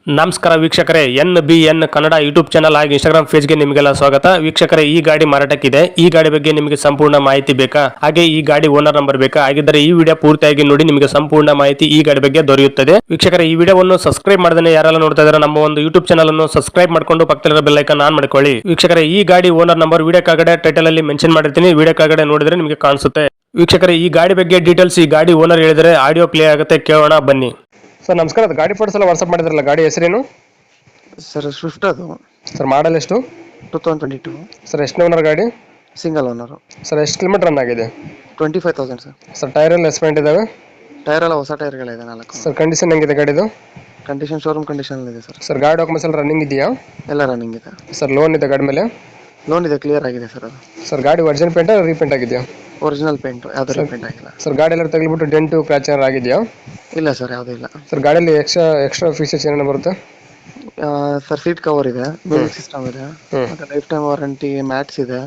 ನಮಸ್ಕಾರ ವೀಕ್ಷಕರೇ, NBN Kannada YouTube channel ಹಾಗೂ ಇನ್ಸ್ಟಾಗ್ರಾಮ್ ಪೇಜ್ಗೆ ನಿಮಗೆಲ್ಲ ಸ್ವಾಗತ. ವೀಕ್ಷಕರೇ, ಈ ಗಾಡಿ ಮಾರಾಟಕ್ಕಿದೆ. ಈ ಗಾಡಿ ಬಗ್ಗೆ ನಿಮಗೆ ಸಂಪೂರ್ಣ ಮಾಹಿತಿ ಬೇಕಾ? ಹಾಗೆ ಈ ಗಾಡಿ ಓನರ್ ನಂಬರ್ ಬೇಕಾ? ಹಾಗಿದ್ದರೆ ಈ ವಿಡಿಯೋ ಪೂರ್ತಿಯಾಗಿ ನೋಡಿ, ನಿಮಗೆ ಸಂಪೂರ್ಣ ಮಾಹಿತಿ ಈ ಗಾಡಿ ಬಗ್ಗೆ ದೊರೆಯುತ್ತದೆ. ವೀಕ್ಷಕರೇ, ಈ ವಿಡಿಯೋವನ್ನು ಸಬ್ಸ್ಕ್ರೈಬ್ ಮಾಡದೇ ಯಾರೆಲ್ಲ ನೋಡ್ತಾ ಇದ್ದಾರೆ ನಮ್ಮ ಒಂದು ಯೂಟ್ಯೂಬ್ ಚಾನಲ್ ಅನ್ನು ಸಬ್ಸ್ಕ್ರೈಬ್ ಮಾಡ್ಕೊಂಡು ಪಕ್ಕದಲ್ಲಿರೋ ಬೆಲ್ ಐಕಾನ್ ಆನ್ ಮಾಡ್ಕೊಳ್ಳಿ. ವೀಕ್ಷಕರೇ, ಈ ಗಾಡಿ ಓನರ್ ನಂಬರ್ ವಿಡಿಯೋ ಕೆಳಗಡೆ ಟೈಟಲ್ ಅಲ್ಲಿ ಮೆನ್ಷನ್ ಮಾಡಿರ್ತೀನಿ, ವಿಡಿಯೋ ಕೆಳಗಡೆ ನೋಡಿದ್ರೆ ನಿಮಗೆ ಕಾಣಿಸುತ್ತೆ. ವೀಕ್ಷಕರೇ, ಈ ಗಾಡಿ ಬಗ್ಗೆ ಡೀಟೇಲ್ಸ್ ಈ ಗಾಡಿ ಓನರ್ ಹೇಳಿದರೆ ಆಡಿಯೋ ಪ್ಲೇ ಆಗುತ್ತೆ, ಕೇಳೋಣ ಬನ್ನಿ. ಸರ್ ನಮಸ್ಕಾರ, ಅದು ಗಾಡಿ ಫೋಟೋಸ್ ಎಲ್ಲ ವಾಟ್ಸ್ಆಪ್ ಮಾಡಿದ್ರಲ್ಲ, ಗಾಡಿ ಹೆಸರೇನು? ಸರ್ ಸ್ವಿಫ್ಟ್ ಅದು ಸರ್ ಮಾಡಲ್ ಎಷ್ಟು? 2022 ಸರ್ ಎಷ್ಟು ಓನರ್ ಗಾಡಿ? Single owner. ಸರ್ ಎಷ್ಟು ಕಿಲೋಮೀಟರ್ ರನ್ ಆಗಿದೆ? 25,000 ಸರ್. ಸರ್ ಟೈರ್ ಎಲ್ಲ ಎಸ್ಪೆಂಟ್ ಇದಾವೆ? ಟೈರ್ ಎಲ್ಲ ಹೊಸ ಟೈರ್ಗಳಿದೆ 4. ಸರ್ ಕಂಡೀಷನ್ ಹೆಂಗಿದೆ ಗಾಡಿದು? ಕಂಡೀಷನ್ ಶೋರೂಮ್ ಕಂಡೀಷನ್ ಇದೆ ಸರ್. ಸರ್ ಗಾಡಿ ಡಾಕ್ಯುಮೆಂಟ್ಸ್ ಎಲ್ಲ ರನ್ನಿಂಗ್ ಇದೆಯಾ? ಎಲ್ಲ ರನ್ನಿಂಗ್ ಇದೆ ಸರ್ ಲೋನ್ ಇದೆ ಗಾಡಿ ಮೇಲೆ? ಲೋನ್ ಇದೆ, ಕ್ಲಿಯರ್ ಆಗಿದೆ ಸರ್. ಅದು ಸರ್ ಗಾಡಿ ಒರಿಜಿನಲ್ ಪೇಂಟ್ ರೀಪೇಂಟ್ ಆಗಿದೆಯಾ? ಒರಿಜಿನಲ್ ಪೇಂಟ್, ಯಾವ್ದು ರೀಪೇಂಟ್ ಆಗಿಲ್ಲ. ಸರ್ ಗಾಡಿ ಎಲ್ಲ ತಗ್ಲಿಬಿಟ್ಟು ಡೆಂಟು ಕ್ರ್ಯಾಚ್ ಏನಾರು ಆಗಿದೆಯಾ? ಇಲ್ಲ ಸರ್, ಯಾವುದೂ ಇಲ್ಲ. ಸರ್ ಗಾಡಿಯಲ್ಲಿ ಎಕ್ಸ್ಟ್ರಾ ಫೀಚರ್ಸ್ ಏನೇನು ಬರುತ್ತೆ? ಸರ್ ಸೀಟ್ ಕವರ್ ಇದೆ, ಮ್ಯೂಸಿಕ್ ಸಿಸ್ಟಮ್ ಇದೆ, ಮತ್ತೆ ಲೈಫ್ ಟೈಮ್ ವಾರಂಟಿ ಮ್ಯಾಟ್ಸ್ ಇದೆ,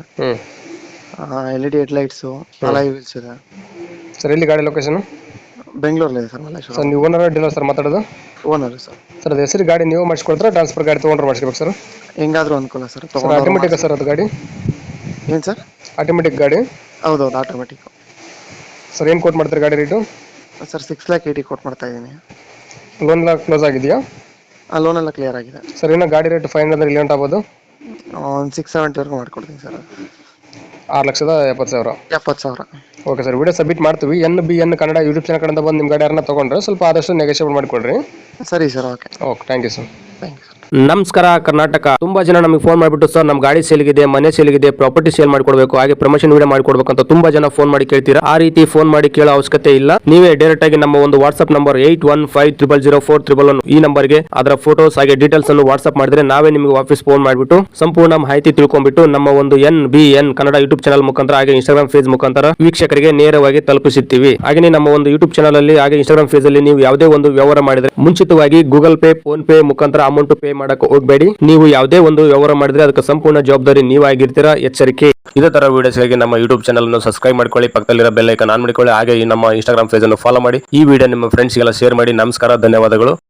LED ಹೆಡ್ಲೈಟ್ಸು, ಅಲಾಯ್ ವೀಲ್ಸ್ ಇದೆ. ಸರ್ ಎಲ್ಲಿ ಗಾಡಿ ಲೊಕೇಶನ್? ಬೆಂಗಳೂರಲ್ಲಿ ಇದೆ ಸರ್, ಮಲ್ಲೇಶ್ವರ. ಸರ್ ನೀವು ಓನರ್ ಡೀಲರ್ ಸರ್ ಮಾತಾಡೋದು? Owner sir. ಸರ್ ಅದು ಹೆಸರು ಗಾಡಿ ನೀವು ಮಾಡಿಸ್ಕೊಡ್ತಾರೆ, ಟ್ರಾನ್ಸ್ಫರ್ ಗಾಡಿ ತೊಗೊಂಡ್ರೆ ಮಾಡಿಸ್ಬೇಕು ಸರ್? ಹೆಂಗಾದ್ರೂ ಅನುಕೂಲ ಸರ್. ಸರ್ ಆಟೋಮೆಟಿಕ್ ಸರ್ ಅದು ಗಾಡಿ? ಏನು ಸರ್? ಆಟೋಮೆಟಿಕ್ ಗಾಡಿ? ಹೌದೌದು, ಆಟೋಮೆಟಿಕ್. ಸರ್ ಏನು ಕೋಟ್ ಮಾಡ್ತಾರೆ ಗಾಡಿ ರೇಟು? ಸರ್ 6,80,000 ಕೊಟ್ಟು ಮಾಡ್ತಾ ಇದ್ದೀನಿ. ಲೋನ್ ಎಲ್ಲ ಕ್ಲೋಸ್ ಆಗಿದೆಯಾ? ಆ ಲೋನ್ ಎಲ್ಲ ಕ್ಲಿಯರ್ ಆಗಿದೆ ಸರ್. ಏನೋ ಗಾಡಿ ರೇಟ್ ಫೈನ್ ಅಂದ್ರೆ ಇಲ್ಲಿ ಆಗ್ಬೋದು? ಒಂದು 670 ಮಾಡ್ಕೊಡ್ತೀನಿ ಸರ್. 6,70,000. 70,000. ಓಕೆ ಸರ್, ವಿಡಿಯೋ ಸಬ್ಮಿಟ್ ಮಾಡ್ತೀವಿ. NBN ಕನ್ನಡ ಯೂಟ್ಯೂಬ್ ಚಾನಲ್ ಕಡೆಯಿಂದ ಬಂದು ನಿಮ್ಮ ಗಾಡಿ ಯಾರನ್ನ ತೊಗೊಂಡ್ರೆ ಸ್ವಲ್ಪ ಆದಷ್ಟು ನೆಗೋಷಿಯೇಟ್ ಮಾಡಿಕೊಡ್ರಿ. ಸರಿ sir, okay. Thank you sir. Thank you sir. ನಮಸ್ಕಾರ ಕರ್ನಾಟಕ. ತುಂಬಾ ಜನ ನಮಗೆ ಫೋನ್ ಮಾಡಿಬಿಟ್ಟು ಸರ್ ನಮ್ಮ ಗಾಡಿ ಸೇಲ್ಗಿದೆ, ಮನೆ ಸೇಲ್ಗಿದೆ, ಪ್ರಾಪರ್ಟಿ ಸೇಲ್ ಮಾಡ್ಕೊಡ್ಬೇಕು, ಹಾಗೆ ಪ್ರಮೋಷನ್ ವಿಡಿಯೋ ಮಾಡ್ಕೊಡ್ಬೇಕು ಅಂತ ತುಂಬಾ ಜನ ಫೋನ್ ಮಾಡಿ ಕೇಳ್ತೀರಾ. ಆ ರೀತಿ ಫೋನ್ ಮಾಡಿ ಕೇಳೋ ಅವಶ್ಯಕತೆ ಇಲ್ಲ. ನೀವೇ ಡೈರೆಕ್ಟ್ ಆಗಿ ನಮ್ಮ ಒಂದು ವಾಟ್ಸ್ಆಪ್ ನಂಬರ್ 81500411 ಈ ನಂಬರ್ಗೆ ಅದರ ಫೋಟೋಸ್ ಹಾಗೆ ಡೀಟೇಲ್ಸ್ ಅನ್ನು ವಾಟ್ಸ್ಆಪ್ ಮಾಡಿದ್ರೆ ನಾವೇ ನಿಮಗೆ ವಾಪಸ್ ಫೋನ್ ಮಾಡಿಬಿಟ್ಟು ಸಂಪೂರ್ಣ ಮಾಹಿತಿ ತಿಳ್ಕೊಂಡ್ಬಿಟ್ಟು ನಮ್ಮ ಒಂದು NBN ಕನ್ನಡ ಯೂಟ್ಯೂಬ್ ಚಾನಲ್ ಮುಖಾಂತರ ಹಾಗೆ ಇನ್ಸ್ಟಾಗ್ರಾಮ್ ಪೇಜ್ ಮುಖಾಂತರ ವೀಕ್ಷಕರಿಗೆ ನೇರವಾಗಿ ತಲುಪಿಸುತ್ತೀವಿ. ಹಾಗೆ ನಮ್ಮ ಒಂದು ಯೂಟ್ಯೂಬ್ ಚಾನಲ್ ಅಲ್ಲಿ ಹಾಗೆ ಇನ್ಸ್ಟಾಗ್ರಾಮ್ ಪೇಜ್ ಅಲ್ಲಿ ನೀವು ಯಾವುದೇ ಒಂದು ವ್ಯವಹಾರ ಮಾಡಿದ್ರೆ ಮುಂಚಿತವಾಗಿ ಗೂಗಲ್ ಪೇ, ಫೋನ್ ಪೇ ಮುಖಾಂತರ ಅಮೌಂಟ್ ಪೇ ಮಾಡಕ್ಕೆ ಹೋಗಬೇಡಿ. ನೀವು ಯಾವುದೇ ಒಂದು ವ್ಯವಹಾರ ಮಾಡಿದ್ರೆ ಅದಕ್ಕೆ ಸಂಪೂರ್ಣ ಜವಾಬ್ದಾರಿ ನೀವಾಗಿರ್ತೀರಾ, ಎಚ್ಚರಿಕೆ. ಇದೇ ತರ ವಿಡಿಯೋಸ್ಗಾಗಿ ನಮ್ಮ ಯೂಟ್ಯೂಬ್ ಚಾನಲ್ ಅನ್ನು ಸಬ್ಸ್ಕ್ರೈಬ್ ಮಾಡ್ಕೊಳ್ಳಿ, ಪಕ್ಕದಲ್ಲಿರೋ ಬೆಲ್ ಐಕಾನ್ ಆನ್ ಮಾಡಿಕೊಳ್ಳಿ, ಹಾಗೆ ನಮ್ಮ ಇನ್ಸ್ಟಾಗ್ರಾಮ್ ಪೇಜ್ ಅನ್ನು ಫಾಲೋ ಮಾಡಿ. ಈ ವಿಡಿಯೋ ನಿಮ್ಮ ಫ್ರೆಂಡ್ಸ್ಗೆಲ್ಲ ಶೇರ್ ಮಾಡಿ. ನಮಸ್ಕಾರ, ಧನ್ಯವಾದಗಳು.